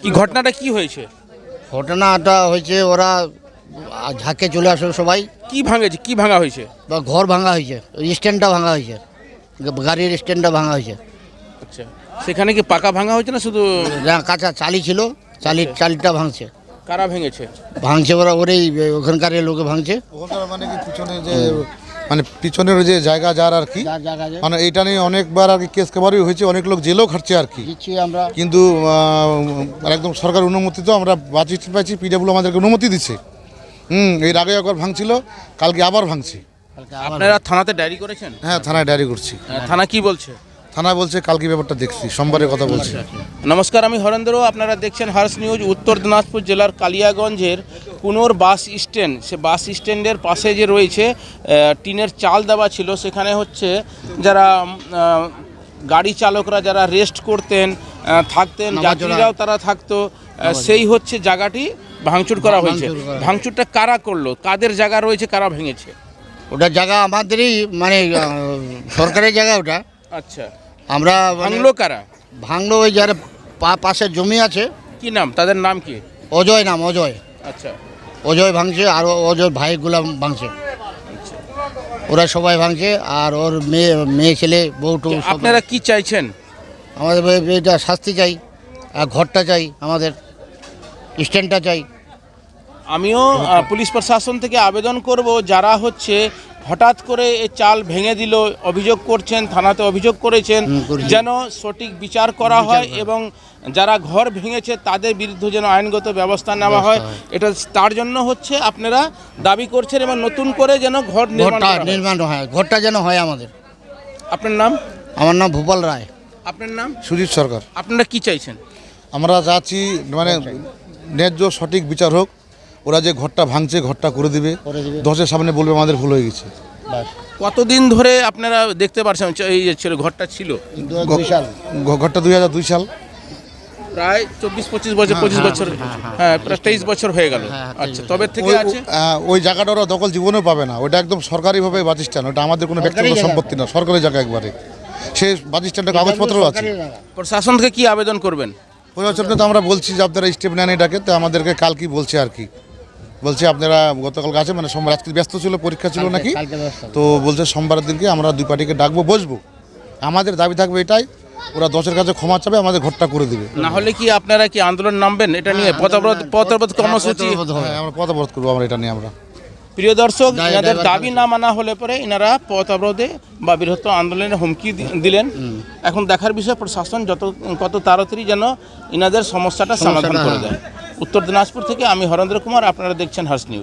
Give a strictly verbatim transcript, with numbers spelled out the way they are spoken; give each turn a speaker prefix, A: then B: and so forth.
A: কি ঘটনাটা কি হয়েছে?
B: ঘটনাটা হয়েছে ওরা ঝাঁকে চলে আসলো সবাই,
A: কি ভাঙেছে, কি ভাঙা হয়েছে?
B: বা ঘর ভাঙা হয়েছে, স্ট্যান্ডটা ভাঙা হয়েছে, গাড়ির স্ট্যান্ডটা ভাঙা হয়েছে।
A: আচ্ছা, সেখানে কি পাকা ভাঙা হয়েছে না শুধু
B: যা কাঁচা চালি ছিল, চালি চালিটা ভাঙছে।
A: কারা ভেঙেছে?
B: ভাঙছে ওরা, ওরেই ওখানকার লোকে ভাঙছে।
C: ওখানকার মানে কি পিছনে যে মানে পিছনের যে জায়গা যার আর কি,
B: যার জায়গা যায়
C: মানে এইটা নিয়ে অনেকবার আর কি কেস কাবারই হয়েছে, অনেক লোক জেলেও খাটছে আর কি।
B: দিচ্ছি আমরা,
C: কিন্তু আহ, একদম সরকার অনুমতি তো আমরা বাঁচি পাইছি, পিডাব্লিউ আমাদেরকে অনুমতি দিচ্ছে। হুম, এর আগে একবার ভাঙছিল, কালকে আবার ভাঙছি।
B: কালকে আবার
A: আপনারা থানাতে ডায়েরি করেছেন?
C: হ্যাঁ, থানায় ডায়েরি করছি।
A: আহ, থানা কি বলছে?
C: থানা বলছে কালকে ব্যাপারটা দেখছি, সোমবারের কথা বলছে।
A: নমস্কার, আমি হরেন্দ্র। আপনারা দেখছেন হার্স নিউজ। উত্তর দিনাজপুর জেলার কালিয়াগঞ্জের কুনোর বাস স্ট্যান্ড, সে বাস স্ট্যান্ডের পাশে যে রয়েছে আহ, টিনের চাল দেওয়া ছিল, সেখানে হচ্ছে যারা আহ, গাড়ি চালকরা যারা রেস্ট করতেন, আহ, থাকতেন,
B: নামাজ
A: যাত্রীরাও তারা থাকতো, আহ, সেই হচ্ছে জায়গাটি ভাঙচুর করা হয়েছে।
B: ভাঙচুর করা।
A: ভাঙচুরটা কারা করলো, কাদের জায়গা রয়েছে, কারা ভেঙেছে?
B: ওটা জায়গা আমাদেরই, মানে আহ, সরকারের জায়গা ওটা।
A: আচ্ছা,
B: আমরা মানে
A: ভাঙলো কারা?
B: ভাঙলো ওই যারা পা- পাশে জমি আছে,
A: কি নাম তাদের, নাম কি?
B: অজয় নাম, অজয়
A: আচ্ছা,
B: অজয় ভাঙছে, আর ও- অজয় ভাইগুলা ভাঙছে। ওরা সবাই ভাঙছে, আর ওর মেয়ে মেয়ে ছেলে বউটু সব।
A: আপনারা কি চাইছেন?
B: আমাদের এ- এটা শাস্তি চাই, আর ঘরটা চাই, আমাদের স্ট্যান্ডটা চাই।
A: আমিও আহ, পুলিশ প্রশাসন থেকে আবেদন করব, যারা হচ্ছে হঠাৎ করে এই চাল ভেঙে দিল, অভিযোগ করছেন, থানাতে অভিযোগ করেছেন,
B: হুম, করেছি।
A: যেন সঠিক বিচার করা হয় এবং যারা ঘর ভেঙেছে তাদের বিরুদ্ধে যেন আইনগত ব্যবস্থা নেওয়া হয়। এটা তার জন্য হচ্ছে আপনারা দাবি করছেন এবং নতুন করে যেন ঘর নির্মাণ
B: ঘরটা
A: করা হয়।
B: নির্মাণ হয়, ঘরটা যেন হয় আমাদের।
A: আপনার নাম?
B: আমার নাম ভূপাল রায়।
A: আপনার নাম?
C: সুজিত সরকার।
A: আপনারা কি চাইছেন?
C: আমরা চাচ্ছি মানে ন্যায্য সঠিক বিচার হোক। ওরা যে ঘরটা ভাঙছে, ঘরটা করে দিবে,
B: করে দিবে।
C: দশের সামনে বলবে আমাদের ভুল হয়ে গেছে।
B: বাস।
A: কতদিন ধরে আপনারা দেখতে পারছেন এই যে ছিল ঘরটা ছিল?
B: বিশাল
C: ঘ- ঘরটা দুই হাজার দুই সাল।
A: প্রায় চব্বিশ পঁচিশ বছর, পঁচিশ বছর, হ্যাঁ প্রায় তেইশ বছর হয়ে গেল। আচ্ছা, তবে থেকে
C: ওই-
A: আছে।
C: আহ, ওই জায়গাটা ওরা দখল জীবনেও পাবে না, ওটা একদম সরকারিভাবে বাস স্ট্যান্ড, ওটা আমাদের কোনো ব্যক্তিগত
B: জায়গা।
C: সম্পত্তি না, সরকারি জায়গা একবারে। সে বাস স্ট্যান্ডের কাগজপত্র আছে।
B: সরকারি জায়গা।
A: প্রশাসন থেকে কি আবেদন করবেন?
C: প্রশাসনকে তো আমরা বলছি যে আপনারা স্টেপ নেন এটাকে, তো আমাদেরকে কাল কি বলছে আর কি, বলছে আপনারা গতকালকে আছে মানে সোমবার, আজকে ব্যস্ত ছিল, পরীক্ষা ছিল নাকি,
B: কালকে ব্যবস্থা।
C: তো বলছে সোমবারের দিনকে আমরা দুই পার্টিকে ডাকবো, বসবো। আমাদের দাবি থাকবে এটাই, ওরা দশের কাছে ক্ষমা চাবে, আমাদের ঘরটা করে দিবে।
A: না হলে কি আপনারা কি আন্দোলন নামবেন এটা নিয়ে? পথঅবরোধ পথঅবরোধ কর্মসূচি?
B: পথ হবে।
C: হ্যাঁ, আমরা পথ অবরোধ করবো আমরা এটা নিয়ে। আমরা
A: প্রিয় দর্শক,
B: দায়-
A: এনাদের
B: দায়ভার
A: দাবি না মানা হলে পরে এনারা পথ অবরোধে বা বৃহত্তর আন্দোলনের হুমকি দি- দিলেন। এখন দেখার বিষয় প্রশাসন যত কত তাড়াতাড়ি যেন এনাদের সমস্যাটা সমাধান করে দেয়। উত্তর দিনাজপুর থেকে আমি হরেন্দ্র কুমার, আপনারা দেখছেন হার্স নিউজ।